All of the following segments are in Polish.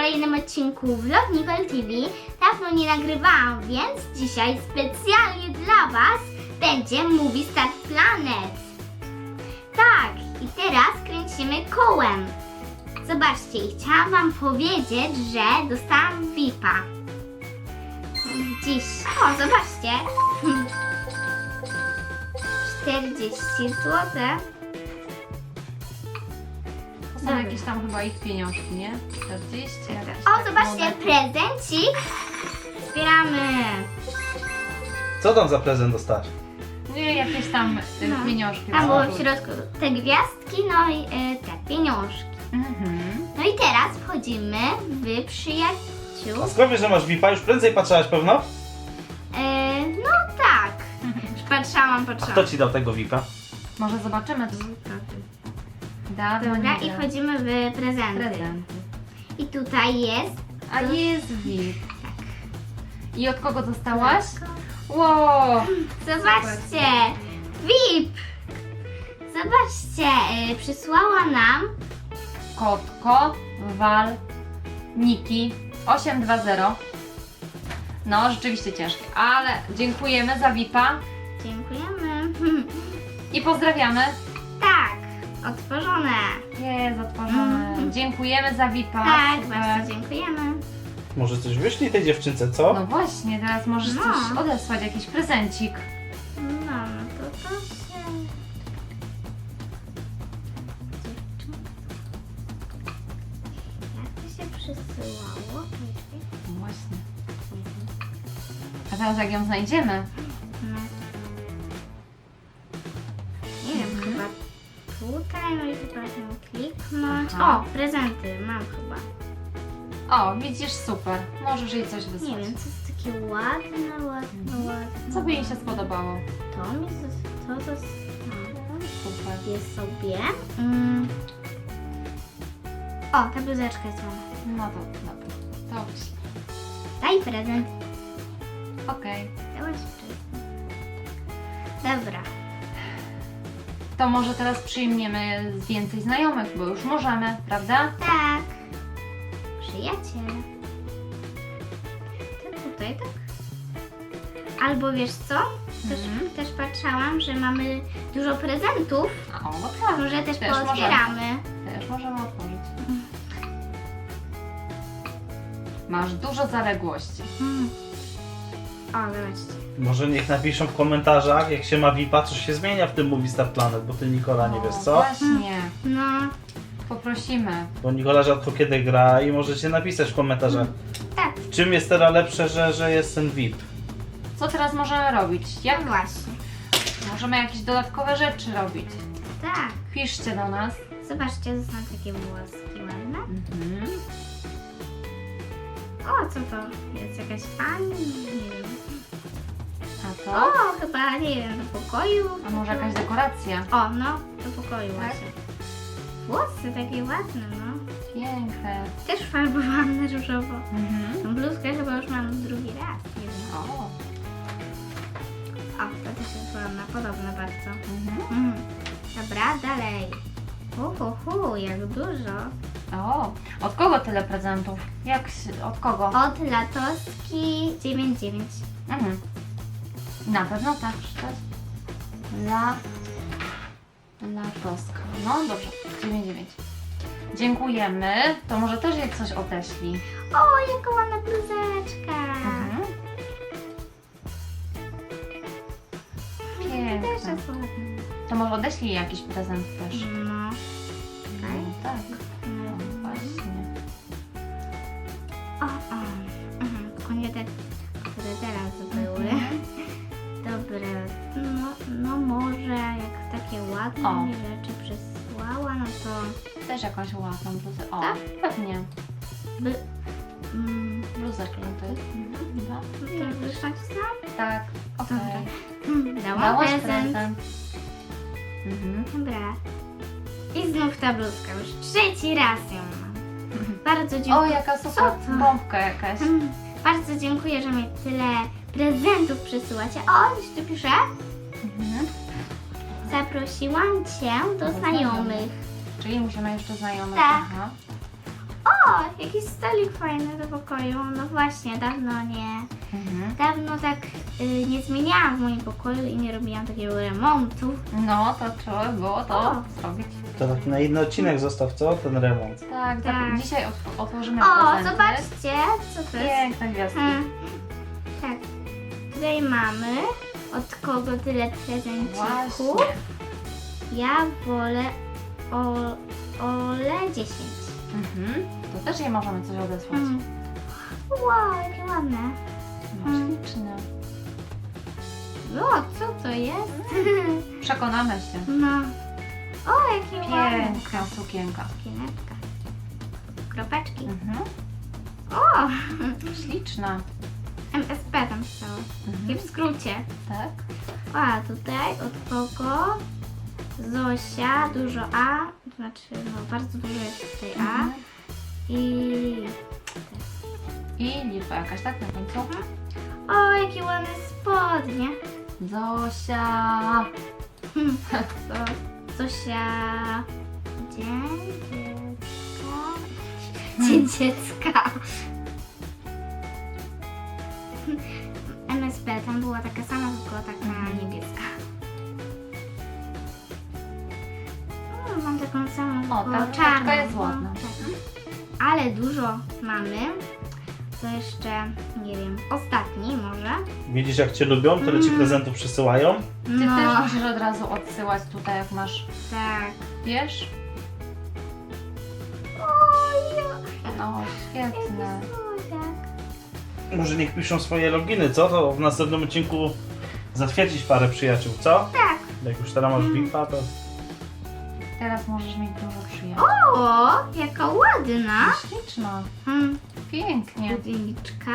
kolejnym odcinku Vlog Nicole TV. Dawno nie nagrywałam, więc dzisiaj specjalnie dla Was będzie Movie Star Planet. Tak, i teraz kręcimy kołem. Zobaczcie, i chciałam Wam powiedzieć, że dostałam VIP-a. Dziś, o zobaczcie, 40 zł. To są jakieś tam chyba ich pieniążki, nie? 40. O, zobaczcie, prezencik. Zbieramy. Co tam za prezent dostać? Nie, jakieś tam pieniążki. Tam było w środku te gwiazdki, no i te pieniążki. No i teraz wchodzimy w przyjaciół. A skąd wiesz, że masz VIP-a? Już prędzej patrzyłaś pewno? No tak. Już patrzałam. A kto ci dał tego VIP-a? Może zobaczymy. Dawno Dobra, nie i grałam. wchodzimy w prezenty. Prezenty. I tutaj jest. A jest VIP. Tak. I od kogo dostałaś? Wow! Zobaczcie! VIP! Zobaczcie, przysłała nam. Kotko, Wal, Niki 820. No, rzeczywiście ciężkie, ale dziękujemy za VIP-a Dziękujemy. i pozdrawiamy. Tak, otworzone. Jest otworzone. Dziękujemy za VIP-a. Tak, Super. bardzo dziękujemy. Może coś wyślij tej dziewczynce, co? No właśnie, teraz możesz No. coś odesłać, jakiś prezencik. No, to się... Jak to się przesyłało? No właśnie. A teraz jak ją znajdziemy? No. Nie wiem, chyba tutaj, no i chyba ją kliknąć. Aha. O, prezenty mam chyba. O, widzisz, super. Możesz jej coś wysłać. Nie wiem, co jest takie ładne. Co by jej się spodobało? To mi to Super. jest sobie. O, ta bluzeczka jest ładna. No to dobra. To wyślę. Daj prezent. Okej. Dałaś prezent. Dobra. To może teraz przyjmiemy więcej znajomych, bo już możemy, prawda? Tak. Przyjaciel. To tutaj, tak? Albo wiesz co? Też patrzałam, że mamy dużo prezentów. O, no tak. Może też Też pootwieramy. Też możemy otworzyć. Masz dużo zaległości. O, zobaczcie. Może niech napiszą w komentarzach, jak się ma VIP-a, coś się zmienia w tym Movie Star Planet, bo ty, Nikola, nie wiesz co? Właśnie. No, Poprosimy. Bo Nikola rzadko kiedy gra i możecie napisać w komentarzach, tak. w czym jest teraz lepsze, że jest ten VIP. Co teraz możemy robić? Jak No właśnie. możemy jakieś dodatkowe rzeczy robić? Tak. Piszcie do nas. Zobaczcie, to są takie włoski ładne. O, co to? Jest jakaś pani? Nie wiem. A O, to? chyba, nie wiem, do pokoju. A może jakaś dekoracja? O, no, do pokoju Tak? właśnie. Włosy takie ładne, no. Piękne. Też farbowałam na różowo. Tą bluzkę chyba już mam drugi raz. Nie wiem. O. O, to też jest ładna, podobna bardzo. Dobra, dalej. Jak dużo. O. Od kogo tyle prezentów? Od kogo? Od Latoski 99. Na pewno tak przeczytać. Latoska. No dobrze, 99. Dziękujemy. To może też jej coś odeślij. O, jaka ładna bluzeczka. Też Piękne. jest ładna. To może odeślij jakiś prezent też. No. Okej. No tak. No właśnie. O. Tylko nie te, które teraz były. Dobra, no może jak takie ładne O. mi rzeczy przysłała, no to Też jakąś ładną bluzę. O, Tak? pewnie. by... Bluzeczkę to jest. Chyba. No to już nacisnąłam? Tak. Okej. Dałam Dałaś prezent. Dobra. I znów ta bluzka, już trzeci raz ją mam. Bardzo O, dziękuję. jaka super Co to? bombka jakaś. Bardzo dziękuję, że mi tyle prezentów przysyłacie. O, coś tu pisze. Zaprosiłam Cię do znajomych. Czyli musimy jeszcze znajomych. Tak. Aha. jakiś stolik fajny do pokoju. No właśnie, dawno nie. Dawno tak nie zmieniałam w moim pokoju i nie robiłam takiego remontu. No, to trzeba było to O. zrobić. To taki na inny odcinek zostaw, co? Ten remont. Tak, tak. Tak. Dzisiaj otworzymy O, prezenty. zobaczcie, co to jest. Piękne gwiazdki. Tak. Tutaj mamy od kogo tyle prezencików. Właśnie. Ja wolę Ole 10. To też jej możemy coś odesłać. Wow, jakie ładne. No, śliczne. O, co to jest? Przekonamy się. No. O, jakie ładne. Piękna sukienka. Sukieneczka. Kropeczki. Mhm. O, Śliczna. MSP tam stało. Takie w skrócie. Tak? A tutaj od kogo? Zosia, dużo A, to znaczy no bardzo dużo jest tutaj A i liczba jakaś, tak? Na końcu? o, jakie ładne spodnie. Zosia. Zosia, dzień dziecka. MSP, tam była taka sama, tylko taka niebieska. Mam taką samą, O, ta tylko czapka czarną. jest ładna. Tak. Ale dużo mamy. To jeszcze, nie wiem, ostatni może. Widzisz, jak cię lubią, tyle ci prezentów przysyłają. Ty No, też musisz od razu odsyłać tutaj, jak masz, tak. wiesz? No, świetne. Może niech piszą swoje loginy, co? To w następnym odcinku zatwierdzić parę przyjaciół, co? Tak. Jak już teraz masz VIP-a, to... Teraz możesz mieć dużo przyjaciół. O, jaka ładna. Śliczna. Pięknie. Pudełniczka.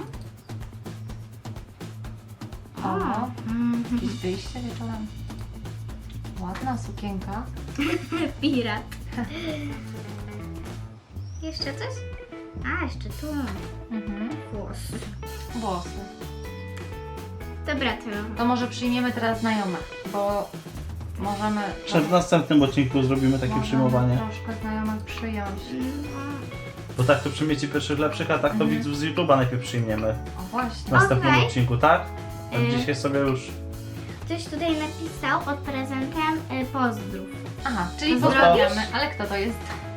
O, Mhm. jakieś wyjście wieczorem. Ładna sukienka. Pirat. Jeszcze coś? A, jeszcze tu. Włosy. Włosy. Dobra, to. To może przyjmiemy teraz znajomych, bo możemy... W następnym odcinku zrobimy takie możemy przyjmowanie. troszkę znajomych przyjąć. Bo tak to przyjmiecie pierwszych lepszych, a tak to widzów z YouTube'a najpierw przyjmiemy. O W właśnie. następnym Okej. odcinku, tak? A Y. dzisiaj sobie już... Ktoś tutaj napisał pod prezentem pozdrów. Aha, czyli Zostaw. pozdrawiamy. Ale kto to jest?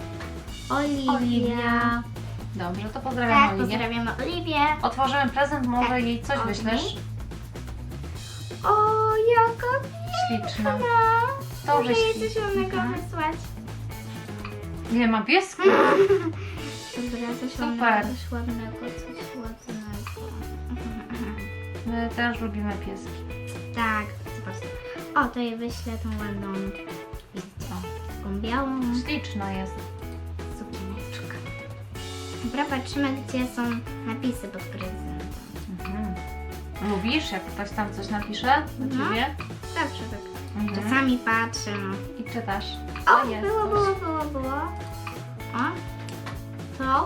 Oliwia. Dobrze, to Tak, pozdrawiamy Oliwię. pozdrawiamy Oliwię. Otworzymy prezent, może Tak, jej coś od wyślesz? niej. O, jaka Śliczna. piękna. To Muszę jej wyślij. coś ładnego Mhm. wysłać. Nie ma piesku? Dobra, coś Super. ładnego, coś ładnego, coś ładnego. My też lubimy pieski. Tak, zobaczcie. O, to jej wyślę tą ładną, O, taką białą śliczna jest. sukieneczkę. Dobra, patrzymy, gdzie są napisy pod prezentem. Lubisz, jak ktoś tam coś napisze do No. ciebie? Dobrze, tak. Czasami patrzę, no. I czytasz. O, jest było, coś. było. O, to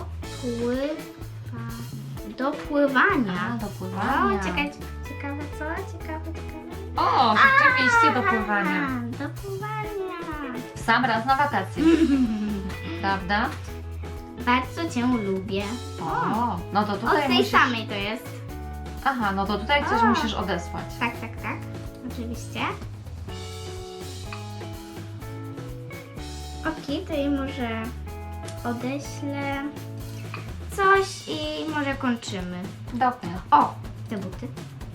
do pływania. A, do pływania. O, czekaj, ciekawe co? Ciekawe. O, rzeczywiście do pływania. Do pływania. W sam raz na wakacje. Prawda? Bardzo Cię lubię. O, no to Od tutaj tej musisz... samej to jest. Aha, no to tutaj coś A. musisz odesłać. Tak. Oczywiście. Ok, to jej może odeślę coś i może kończymy. Dobrze. O, te buty.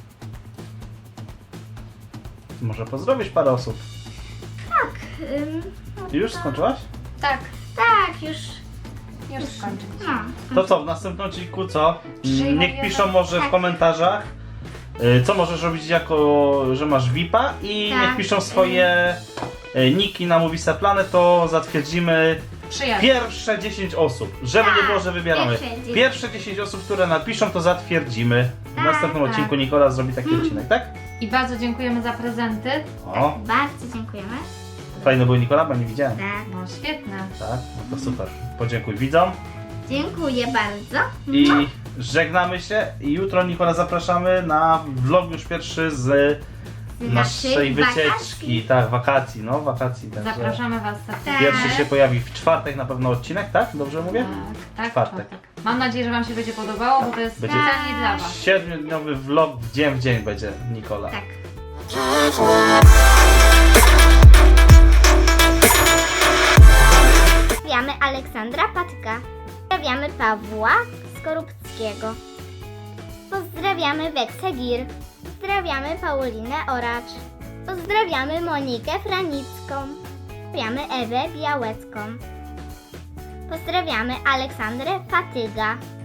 Może pozdrowisz parę osób. Tak. No Ty już to- skończyłaś? Tak, Tak, już. już skończyliśmy. No. To co, w następnym odcinku co? Przyjmujemy- Niech piszą może w Tak. komentarzach, co możesz robić jako, że masz VIP-a i Tak. niech piszą swoje niki na Movistar Planet, to zatwierdzimy Przyjaciół. pierwsze 10 osób. Żeby nie Tak, było, że wybieramy. pierwsze 10. 10 osób, które napiszą, to zatwierdzimy. W Tak, następnym tak. odcinku Nikola zrobi taki odcinek, tak? I bardzo dziękujemy za prezenty. O, Bardzo dziękujemy. fajny był Nikola, bo nie widziałem. Tak. No świetne. Tak, no to super. Podziękuj widzom. Dziękuję bardzo. I żegnamy się. I jutro Nikola zapraszamy na vlog już pierwszy z naszej wycieczki. Tak, wakacji, no wakacji. Także Zapraszamy Was serdecznie. pierwszy się pojawi w czwartek na pewno odcinek, tak? Dobrze mówię? Tak, Czwartek. Mam nadzieję, że Wam się będzie podobało, bo to jest Będzie- specjalnie dla Was. 7-dniowy vlog w dzień będzie, Nikola. Tak. Pozdrawiamy Aleksandra Patka. Pozdrawiamy Pawła Skorupskiego. Pozdrawiamy Weksę Gir. Pozdrawiamy Paulinę Oracz. Pozdrawiamy Monikę Franicką. Pozdrawiamy Ewę Białecką. Pozdrawiamy Aleksandrę Fatyga.